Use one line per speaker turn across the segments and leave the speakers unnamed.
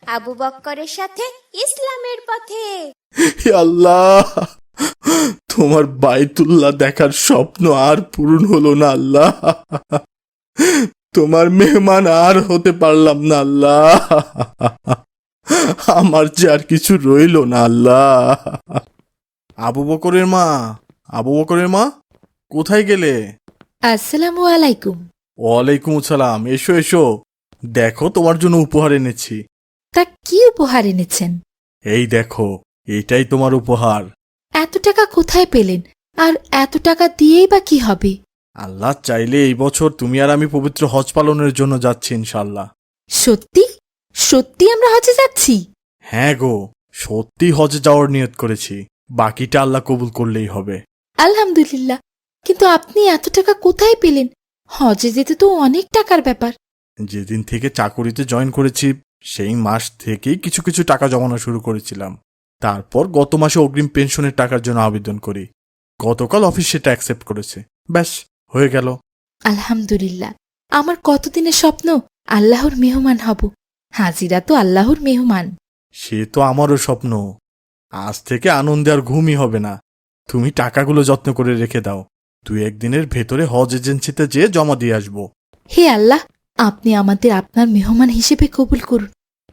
আবু বক্করের সাথে ইসলামের পথে।
হে আল্লাহ, তোমার বাইতুল্লাহ দেখার স্বপ্ন আর পূরণ হলো না আল্লাহ। তোমার মেহমান আর হতে পারলাম না আল্লাহ। আমার যে আর কিছু রইল না আল্লাহ। আবু বকরের মা, আবু বকরের মা, কোথায় গেলে?
আসসালামু আলাইকুম।
ওয়ালাইকুম আসসালাম। এসো এসো, দেখো তোমার জন্য উপহার এনেছি।
তা কি উপহার এনেছেন?
এই দেখো, এটাই তোমার উপহার।
এত টাকা কোথায় পেলেন? আর এত টাকা দিয়েই বা কি হবে?
আল্লাহ চাইলে এই বছর তুমি আর আমি পবিত্র হজ পালনের জন্য যাচ্ছি ইনশাল্লাহ।
সত্যি সত্যি আমরা হজে যাচ্ছি?
হ্যাঁ গো, সত্যি হজে যাওয়ার নিয়ত করেছি। বাকিটা আল্লাহ কবুল করলেই হবে।
আলহামদুলিল্লাহ। কিন্তু আপনি এত টাকা কোথায় পেলেন? হজে যেতে তো অনেক টাকার ব্যাপার।
যেদিন থেকে চাকুরিতে জয়েন করেছি সেই মাস থেকেই কিছু কিছু টাকা জমানো শুরু করেছিলাম। তারপর গত মাসে অগ্রিম পেনশনের টাকার জন্য আবেদন করি। গতকাল অফিস সেটা অ্যাকসেপ্ট করেছে। ব্যাস, হয়ে গেল।
আলহামদুলিল্লাহ। আমার কতদিনের স্বপ্ন আল্লাহর মেহমান হব। হাজিরা তো আল্লাহর মেহমান।
সে তো আমারও স্বপ্ন। আজ থেকে আনন্দে আর ঘুমই হবে না। তুমি টাকাগুলো যত্ন করে রেখে দাও। 2-1 দিনের ভেতরে হজ এজেন্সিতে যেয়ে জমা দিয়ে আসবো।
হে আল্লাহ, আপনি আমাদের আপনার মেহমান হিসেবে কবুল করুন।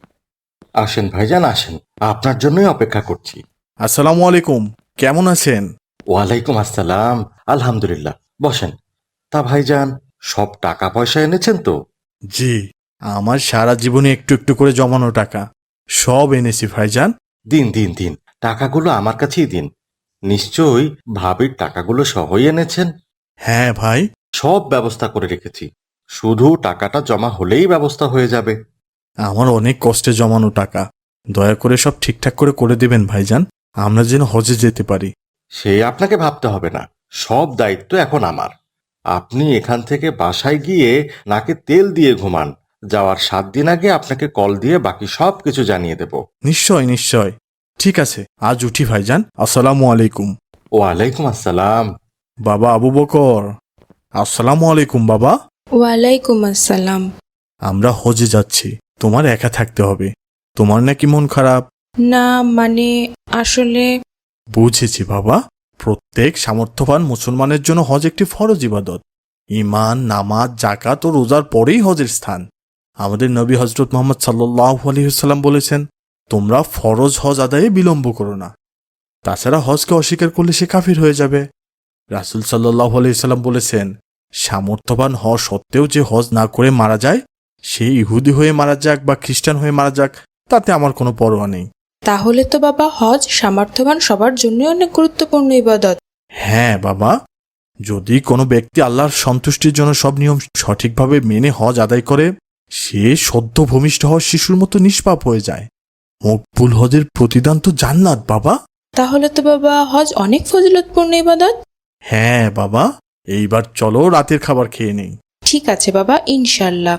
আসেন ভাইজান, আসেন, আপনার জন্যই অপেক্ষা করছি।
আসসালামু আলাইকুম, কেমন আছেন?
ওয়ালাইকুম আসসালাম। আলহামদুলিল্লাহ, বসেন। তা ভাইজান, সব টাকা পয়সা এনেছেন তো?
জি, আমার সারা জীবনে একটু একটু করে জমানো টাকা সব এনেছি ভাইজান।
দিন দিন দিন, টাকাগুলো আমার কাছেই দিন। নিশ্চয়ই ভাবির টাকাগুলো সহই এনেছেন।
হ্যাঁ ভাই।
সব ব্যবস্থা করে রেখেছি, শুধু টাকাটা জমা হলেই ব্যবস্থা হয়ে যাবে।
আমার অনেক কষ্টে জমানো টাকা, দয়া করে সব ঠিকঠাক করে করে দেবেন ভাইজান, আমরা যেন হজে যেতে পারি।
সে আপনাকে ভাবতে হবে না, সব দায়িত্ব এখন আমার। আপনি এখান থেকে বাসায় গিয়ে নাকে তেল দিয়ে ঘুমান। যাওয়ার 7 দিন আগে আপনাকে কল দিয়ে বাকি সব কিছু জানিয়ে দেব।
নিশ্চয় নিশ্চয়। ঠিক আছে, আজ উঠি ভাইজান। আসসালামু আলাইকুম।
ওয়ালাইকুম আসসালাম।
বাবা আবু বকর, আসসালামু আলাইকুম বাবা।
ওয়ালাইকুম আসসালাম।
আমরা হজে যাচ্ছি, তোমার একা থাকতে হবে। তোমার নাকি মন খারাপ?
না মানে আসলে
বুঝেছি বাবা। প্রত্যেক সামর্থ্যবান মুসলমানের জন্য হজ একটি ফরজ ইবাদত। ঈমান, নামাজ, যাকাত ও রোজার পরেই হজের স্থান। আমাদের নবী হযরত মুহাম্মদ সাল্লাল্লাহু আলাইহি ওয়াসাল্লাম বলেছেন, তোমরা ফরজ হজ আদায়ে বিলম্ব করো না। তাছাড়া হজকে অস্বীকার করলে সে কাফির হয়ে যাবে। রাসূল সাল্লাল্লাহু আলাইহি ওয়াসাল্লাম বলেছেন, সামর্থ্যবান হওয়া সত্ত্বেও যে হজ না করে মারা যায়, সে ইহুদি হয়ে মারা যাক বা খ্রিস্টান হয়ে মারা যাক, তাতে আমার কোনো পরোয়া নেই।
তাহলে তো বাবা হজ সামর্থ্যবান সবার জন্যই অনেক গুরুত্বপূর্ণ ইবাদত।
হ্যাঁ বাবা, যদি কোনো ব্যক্তি আল্লাহর সন্তুষ্টির জন্য সব নিয়ম সঠিকভাবে মেনে হজ আদায় করে, সে সদ্য ভূমিষ্ঠ হওয়া শিশুর মতো নিষ্পাপ হয়ে যায়। মকবুল হজের প্রতিদান তো জান্নাত বাবা।
তাহলে তো বাবা হজ অনেক ফজিলতপূর্ণ ইবাদত।
হ্যাঁ বাবা, এইবার চলো রাতের খাবার খেয়ে নেই।
ঠিক আছে বাবা, ইনশাল্লাহ।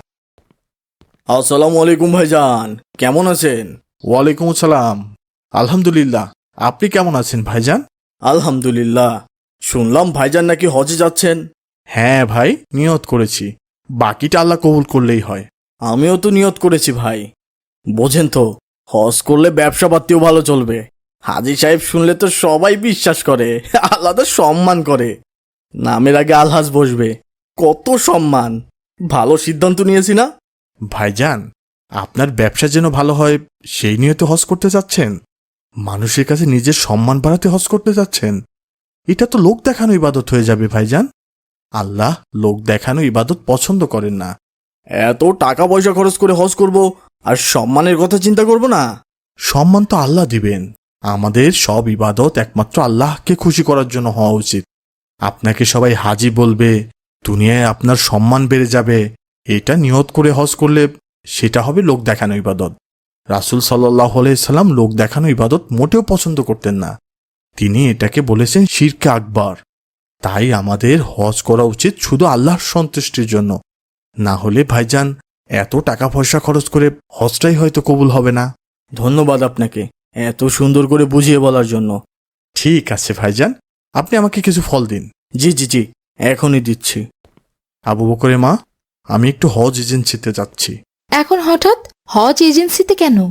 আসসালামু আলাইকুম ভাইজান, কেমন আছেন? ওয়ালাইকুম আসসালাম। আলহামদুলিল্লাহ, আপনি কেমন আছেন ভাইজান? আলহামদুলিল্লাহ। শুনলাম ভাইজান নাকি হজে যাচ্ছেন। হ্যাঁ ভাই, নিয়ত করেছি। বাকিটা আল্লাহ কবুল করলেই হয়। আমিও তো নিয়ত করেছি ভাই। বোঝেন তো, হজ করলে ব্যবসা পাতিও ভালো চলবে। হাজী সাহেব শুনলে তো সবাই বিশ্বাস করে, আলাদা সম্মান করে। নামের আগে আলহাজ বসবে, কত সম্মান। ভালো সিদ্ধান্ত নিয়েছি না ভাইজান? আপনার ব্যবসা যেন ভালো হয় সেই নিয়ে তো হজ করতে যাচ্ছেন। মানুষের কাছে নিজের সম্মান বাড়াতে হজ করতে যাচ্ছেন। এটা তো লোক দেখানো ইবাদত হয়ে যাবে ভাইজান। আল্লাহ লোক দেখানো ইবাদত পছন্দ করেন না। এত টাকা পয়সা খরচ করে হজ করব আর সম্মানের কথা চিন্তা করব না? সম্মান তো আল্লাহ দিবেন। আমাদের সব ইবাদত একমাত্র আল্লাহকে খুশি করার জন্য হওয়া উচিত। আপনাকে সবাই হাজি বলবে, দুনিয়ায় আপনার সম্মান বেড়ে যাবে, এটা নিয়ত করে হজ করলে সেটা হবে লোক দেখানো ইবাদত। রাসূল সাল্লাল্লাহু আলাইহি সাল্লাম লোক দেখানো ইবাদত মোটেও পছন্দ করতেন না। তিনি এটাকে বলেছেন শিরকে আকবার। তাই আমাদের হজ করা উচিত শুধু আল্লাহর সন্তুষ্টির জন্য। না হলে ভাইজান এত টাকা পয়সা খরচ করে হজটাই হয়তো কবুল হবে না। ধন্যবাদ আপনাকে এত সুন্দর করে বুঝিয়ে বলার জন্য। ঠিক আছে ভাইজান, আপনি আমাকে কিছু ফল দিন। জি জি জি, এখনই দিচ্ছি। আবু বকরের মা, আমি একটু হজ এজেন্সিতে যাচ্ছি।
এখন হঠাৎ হজ এজেন্সিতে কেন?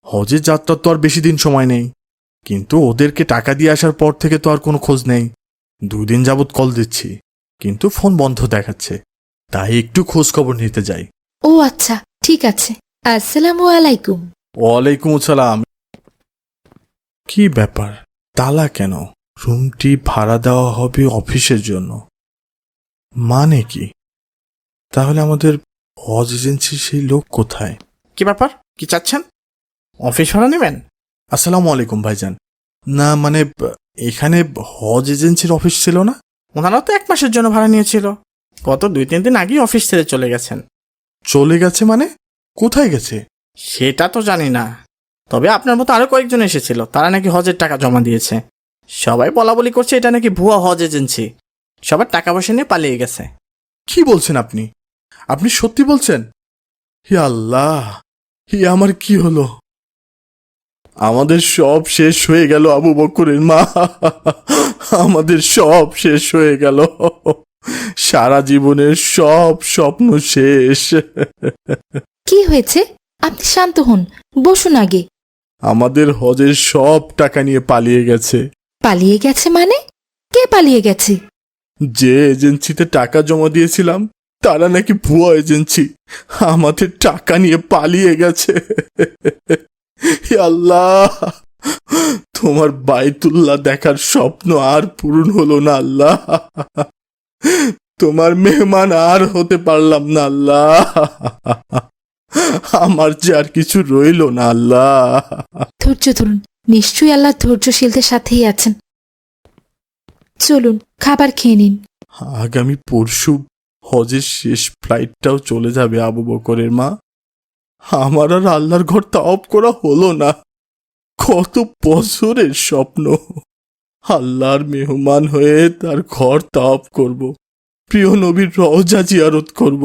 হজের যাত্রার তো আর বেশি দিন সময় নেই, কিন্তু ওদেরকে টাকা দিয়ে আসার পর থেকে তো আর কোনো খোঁজ নেই। 2 দিন যাবৎ কল দিচ্ছি, কিন্তু ফোন বন্ধ দেখাচ্ছে, তাই একটু খোঁজ খবর নিতে যাই।
ও আচ্ছা, ঠিক আছে। আসসালামু আলাইকুম।
ওয়ালাইকুম আসসালাম। কি ব্যাপার, তালা কেন? রুমটি ভাড়া দেওয়া হবে অফিসের জন্য, মানে কি? তাহলে আমাদের হজ এজেন্সির সেই লোক কোথায়? কি ব্যাপার, কি চাচ্ছেন? অফিস ভাড়া নেবেন? আসসালামু আলাইকুম ভাইজান। না মানে এখানে হজ এজেন্সির অফিস ছিল না? ওনারা তো 1 মাসের জন্য ভাড়া নিয়েছিল, গত 2-3 দিন আগেই অফিস ছেড়ে চলে গেছেন। চলে গেছে মানে? কোথায় গেছে? সেটা তো জানি না, তবে আপনার মতো আরো কয়েকজন এসেছিল, তারা নাকি হজের টাকা জমা দিয়েছে। সবাই বলাবলি করছে এটা নাকি ভুয়া হজ এজেন্সি, সবার টাকা পয়সা নিয়ে পালিয়ে গেছে। কি বলছেন আপনি? আপনি সত্যি বলছেন? হে আল্লাহ, হে আমার কি হলো? আমাদের সব শেষ হয়ে গেল আবু বকরের মা, আমাদের সব শেষ হয়ে গেল, সারা জীবনের সব স্বপ্ন শেষ।
কি হয়েছে? আপনি শান্ত হন, বসুন আগে।
আমাদের হজের সব টাকা নিয়ে পালিয়ে গেছে।
পালিয়ে গেছে মানে? কে পালিয়ে গেছে?
যে এজেন্সিতে টাকা জমা দিয়েছিলাম তারা নাকি ভুয়া এজেন্সি, আমাদের টাকা নিয়ে পালিয়ে গেছে। হে আল্লাহ, তোমার বাইতুল্লাহ দেখার স্বপ্ন আর পূরণ হলো না আল্লাহ, তোমার মেহমান আর হতে পারলাম না আল্লাহ, আমার যে আর কিছু রইল না আল্লাহ।
ধৈর্য ধরুন, নিশ্চয়ই আল্লাহ ধৈর্যশীলদের সাথেই আছেন। চলুন, খাবার খেয়ে নিন।
আগামী পরশু হজের শেষ ফ্লাইটটাও চলে যাবে আবু বকরের মা, আমার আর আল্লাহর ঘর তাওয়াফ করা হলো না। কত বছরের স্বপ্ন, আল্লাহর মেহমান হয়ে তার ঘর তাওয়াফ করব, প্রিয় নবীর রওজা জিয়ারত করব,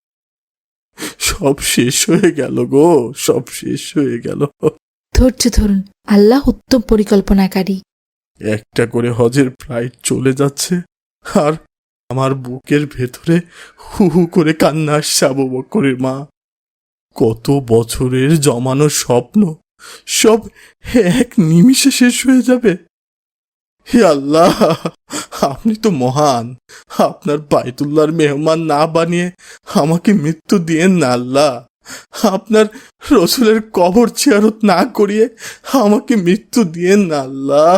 সব শেষ হয়ে গেল গো, সব শেষ হয়ে গেল।
ধৈর্য ধরুন, আল্লাহ উত্তম পরিকল্পনাকারী।
একটা করে হজের ফ্লাইট চলে যাচ্ছে, আর আমার বুকের ভেতরে হু হু করে কান্না আসছে আবু বকরের মা। কত বছরের জমানো স্বপ্ন সব এক নিমিষে শেষ হয়ে যাবে। হে আল্লাহ, আপনি তো মহান, আপনার বাইতুল্লাহর মেহমান না বানিয়ে আমাকে মৃত্যু দিয়েন না আল্লাহ, আপনার রসুলের কবর জিয়ারত না করিয়ে আমাকে মৃত্যু দিয়েন না আল্লাহ।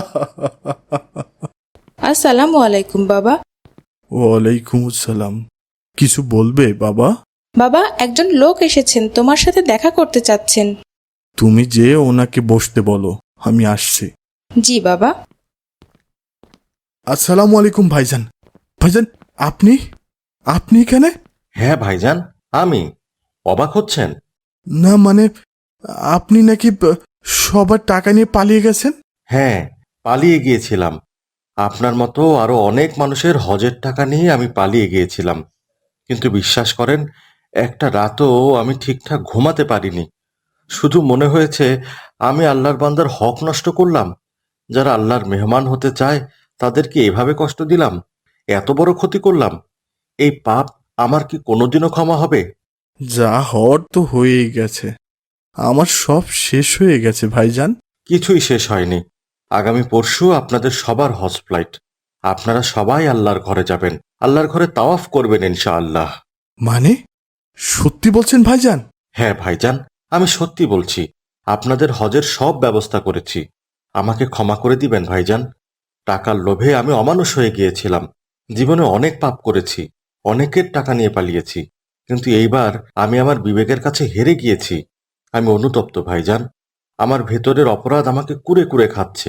আসসালামু আলাইকুম বাবা।
ওয়ালাইকুম আসসালাম। কিছু বলবে বাবা?
বাবা, একজন লোক এসেছেন, তোমার সাথে দেখা করতে চাচ্ছেন।
তুমি যে ওনাকে বসতে বলো, আমি আসছি।
জি বাবা।
আসসালামু আলাইকুম ভাইজান। ভাইজান, আপনি আপনি এখানে?
হ্যাঁ ভাইজান, আমি। অবাক হচ্ছেন?
না মানে আপনি নাকি সবার টাকা নিয়ে পালিয়ে গেছেন?
হ্যাঁ, পালিয়ে গিয়েছিলাম। আপনার মতো আরো অনেক মানুষের হজের টাকা নিয়ে আমি পালিয়ে গিয়েছিলাম, কিন্তু বিশ্বাস করেন, একটা রাতও আমি ঠিকঠাক ঘুমাতে পারিনি। শুধু মনে হয়েছে আমি আল্লাহর বান্দার হক নষ্ট করলাম। যারা আল্লাহর মেহমান হতে চায় তাদেরকে এভাবে কষ্ট দিলাম, এত বড় ক্ষতি করলাম। এই পাপ আমার কি কোনোদিনও ক্ষমা হবে?
যা হওয়ার তো হয়েই গেছে, আমার সব শেষ হয়ে গেছে ভাইজান।
কিছুই শেষ হয়নি। আগামী পরশু আপনাদের সবার হজ ফ্লাইট। আপনারা সবাই আল্লাহর ঘরে যাবেন, আল্লাহর ঘরে তাওয়াফ করবেন ইনশাআল্লাহ।
মানে সত্যি বলছেন ভাইজান?
হ্যাঁ ভাইজান, আমি সত্যি বলছি। আপনাদের হজের সব ব্যবস্থা করেছি। আমাকে ক্ষমা করে দিবেন ভাইজান। টাকার লোভে আমি অমানুষ হয়ে গিয়েছিলাম। জীবনে অনেক পাপ করেছি, অনেকের টাকা নিয়ে পালিয়েছি, কিন্তু এইবার আমি আমার বিবেকের কাছে হেরে গিয়েছি। আমি অনুতপ্ত ভাইজান। আমার ভেতরের অপরাধ আমাকে কুরে কুরে খাচ্ছে।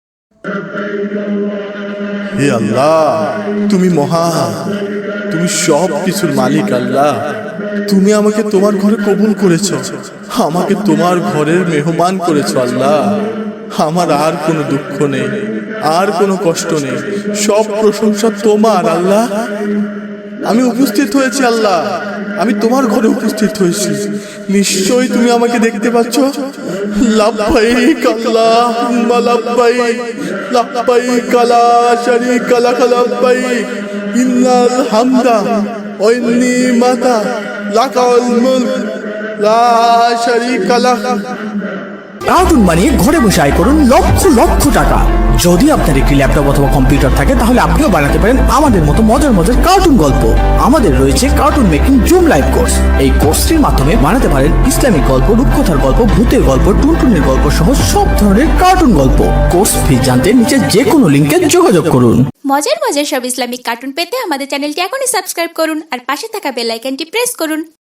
হে আল্লাহ, তুমি মহান, তুমি সব কিছুর মালিক আল্লাহ। তুমি আমাকে তোমার ঘরে কবুল করেছো, আমাকে তোমার ঘরের মেহমান করেছো আল্লাহ। আমার আর কোনো দুঃখ নেই, আর কোনো কষ্ট নেই, সব প্রশংসা তোমার আল্লাহ। আমি উপস্থিত হয়েছি আল্লাহ, আমি তোমার ঘরে উপস্থিত হয়েছি। নিশ্চয়ই তুমি আমাকে দেখতে পাচ্ছ। লাব্বাইক আল্লাহুম্মা লাব্বাইক, লাব্বাইক লা শারীকা লাক লাব্বাইক, ইন্নাল হামদা ওয়ান নিমাতা লাকাল মুলক লা শারীকা লাক। কার্টুন বানিয়ে ঘরে বসে আয় করুন লক্ষ লক্ষ টাকা। যদি আপনার একটি ল্যাপটপ অথবা কম্পিউটার থাকে তাহলে আপনিও বানাতে পারেন আমাদের মতো মজার মজার কার্টুন গল্প। আমাদের রয়েছে cartoon making zoom live course. এই কোর্সটির মাধ্যমে বানাতে পারেন ইসলামিক গল্প, রূপকথার গল্প, ভূতের গল্প, টুনটুনের গল্প সহ সব ধরনের কার্টুন গল্প। কোর্স ফি জানতে নিচে যে কোনো লিঙ্কে যোগাযোগ করুন।
মজার মজার সব ইসলামিক কার্টুন পেতে আমাদের চ্যানেলটি এখনই সাবস্ক্রাইব করুন আর পাশে থাকা বেল আইকনটি প্রেস করুন।